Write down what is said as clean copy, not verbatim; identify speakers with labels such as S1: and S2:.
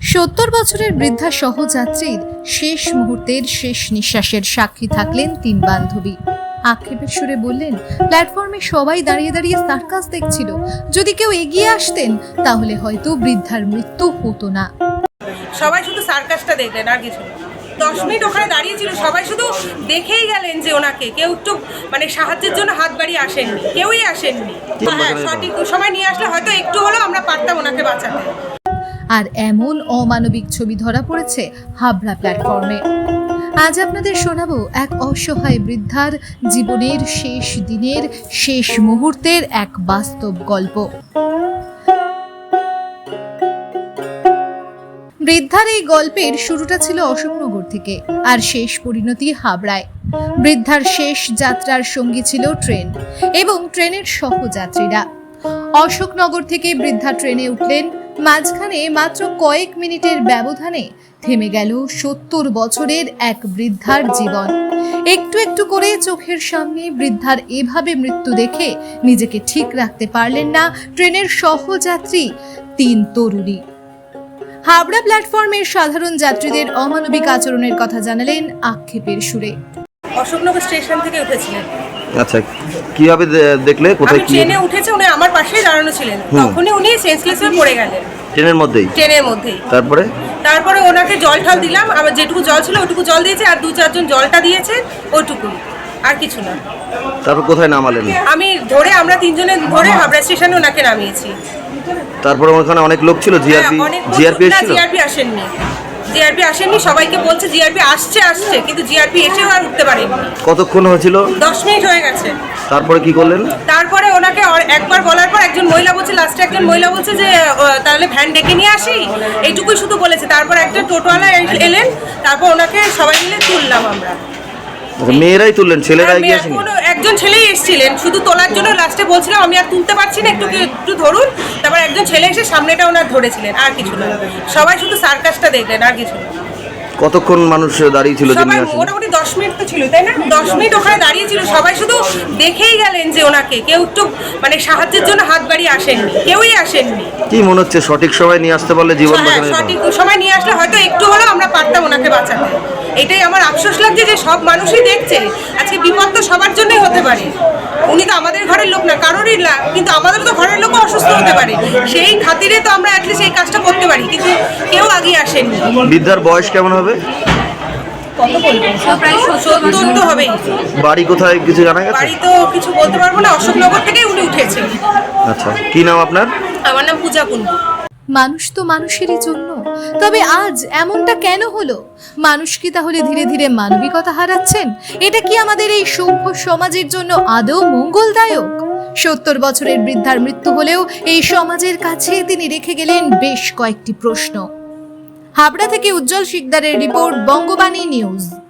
S1: 70 বছরের বৃদ্ধা সহযাত্রীর শেষ মুহূর্তের শেষ নিঃশ্বাসের সাক্ষী থাকলেন তিন বান্ধবী। আক্ষেপের সুরে বললেন, প্ল্যাটফর্মে সবাই দাঁড়িয়ে দাঁড়িয়ে সার্কাস দেখছিল, যদি কেউ এগিয়ে আসতেন তাহলে হয়তো বৃদ্ধার মৃত্যু হতো না।
S2: সবাই শুধু সার্কাসটা দেখলেন, আর কিছু 10 মিনিট ওখানে দাঁড়িয়েছিল, সবাই শুধু দেখেই গেলেন যে ওনাকে কেউ একটু সাহায্যের জন্য হাত বাড়িয়ে আসেননি, কেউই আসেননি। হ্যাঁ, সঠিক সময় নিয়ে আসলে হয়তো একটু হলেও আমরা পারতাম ওনাকে বাঁচাতে।
S1: আর এমন অমানবিক ছবি ধরা পড়েছে হাবড়া প্ল্যাটফর্মে। আজ আপনাদের শোনাবো এক অসহায় বৃদ্ধার জীবনের শেষ দিনের শেষ মুহূর্তের এক বাস্তব গল্প। বৃদ্ধার এই গল্পের শুরুটা ছিল অশোকনগর থেকে, আর শেষ পরিণতি হাবড়ায়। বৃদ্ধার শেষ যাত্রার সঙ্গী ছিল ট্রেন এবং ট্রেনের সহযাত্রীরা। অশোকনগর থেকে বৃদ্ধা ট্রেনে উঠলেন, মাঝখানে মাত্র কয়েক মিনিটের ব্যবধানে থেমে গেল 70 বছরের এক বৃদ্ধার জীবন। একটু একটু করে চোখের সামনে বৃদ্ধার এভাবে মৃত্যু দেখে নিজেকে ঠিক রাখতে পারলেন না ট্রেনের সহযাত্রী তিন তরুণী। হাবড়া প্ল্যাটফর্মের সাধারণ যাত্রীদের অমানবিক আচরণের কথা জানালেন আক্ষেপের সুরে।
S2: অশোকনগর স্টেশন থেকে উঠেছিলেন।
S3: আচ্ছা, কিভাবে দেখলে? কোথায়
S2: ট্রেনে উঠেছে, উনি আমার পাশেই দাঁড়ানো ছিলেন, তখনই উনি সেন্সলেস হয়ে পড়ে গেলেন
S3: ট্রেনের মধ্যেই। তারপরে
S2: ওনাকে জল ঠাল দিলাম, আমার যেটুকু জল ছিল ওটুকু জল দিয়েছে, আর 2-4 জন জলটা দিয়েছে, ওটুকুই, আর কিছু না।
S3: তারপর কোথায় নামালেন?
S2: আমরা 3 জনে ধরে হাবড়া স্টেশনে ওনাকে নামিয়েছি।
S3: তারপরে ওখানে অনেক লোক ছিল, জিআরপি
S2: আসেননি, সবাইকে বলছে জিআরপি আসছে, কিন্তু জিআরপি এসেও আর উঠতে পারেনি।
S3: কতক্ষণ হয়েছিল?
S2: 10 মিনিট হয়ে গেছে।
S3: তারপরে কি করলেন?
S2: তারপরে ওনাকে একবার বলার পর একজন মহিলা বলছে যে তাহলে ভ্যান ডেকে নিয়ে আসি, এইটুকুই শুধু বলেছে। তারপর একটা টোটোওয়ালা এলেন, তারপর ওনাকে সবাই মিলে তুললাম আমরা।
S3: মেয়েরাই তুললেন, ছেলেরা এগিয়ে আসেনি?
S2: একজন ছেলেই এসেছিলেন শুধু তোলার জন্য, লাস্টে বলছিলাম আমি আর তুলতে পারছি না, একটু ধরুন। তারপর একজন ছেলে এসে সামনেটা ওনার ধরেছিলেন, আর কিছু না। সবাই শুধু সার্কাসটা দেখলেন, আর কিছু না।
S3: কতক্ষণ মানুষ দাঁড়িয়ে ছিল?
S2: মোটামুটি 10 মিনিট তো ছিল, তাই না? 10 মিনিট ওখানে দাঁড়িয়েছিল, সবাই শুধু দেখেই গেলেন যে ওনাকে কেউ একটু সাহায্যের জন্য হাত বাড়িয়ে আসেননি, কেউই আসেননি।
S3: কি মনে হচ্ছে, সঠিক সময় নিয়ে আসতে পারলে জীবন বাঁচানো যেত?
S2: সঠিক সময় নিয়ে আসলে হয়তো একটু হলেও আমরা পারতাম ওনাকে বাঁচাতে। এটাই আমার আফসোস লাগছে যে সব মানুষই দেখছে, আজকে বিপদ তো সবার জন্যই হতে পারে। উনি তো আমাদের ঘরের লোক না, কারোরই না, কিন্তু আমাদের তো ঘরের লোকও অসুস্থ হতে পারে, সেই খাতিরে তো আমরা অ্যাটলিস্ট এই কাজটা করতে পারি, কিন্তু কেউ আগে আসেননি।
S3: বৃদ্ধার বয়স কেমন হবে?
S2: কত বলবো, প্রায় 70 তো হবেই।
S3: বাড়ি কোথায় কিছু জানা গেছে?
S2: বাড়ি তো কিছু বলতে পারবো না, অশোকনগর থেকেই উনি উঠেছেন।
S3: আচ্ছা, কি নাম আপনার?
S2: আমার নাম পূজা কুন্ডু।
S1: মানুষ তো মানুষেরই জন্য, তবে আজ এমনটা কেন হলো? মানুষ কি তাহলে ধীরে ধীরে মানবিকতা হারাচ্ছেন? এটা কি আমাদের এই সভ্য সমাজের জন্য আদৌ মঙ্গলদায়ক? 70 বছরের বৃদ্ধার মৃত্যু হলেও এই সমাজের কাছে তিনি রেখে গেলেন বেশ কয়েকটি প্রশ্ন। হাবড়া থেকে উজ্জ্বল শিকদারের রিপোর্ট, বঙ্গবাণী নিউজ।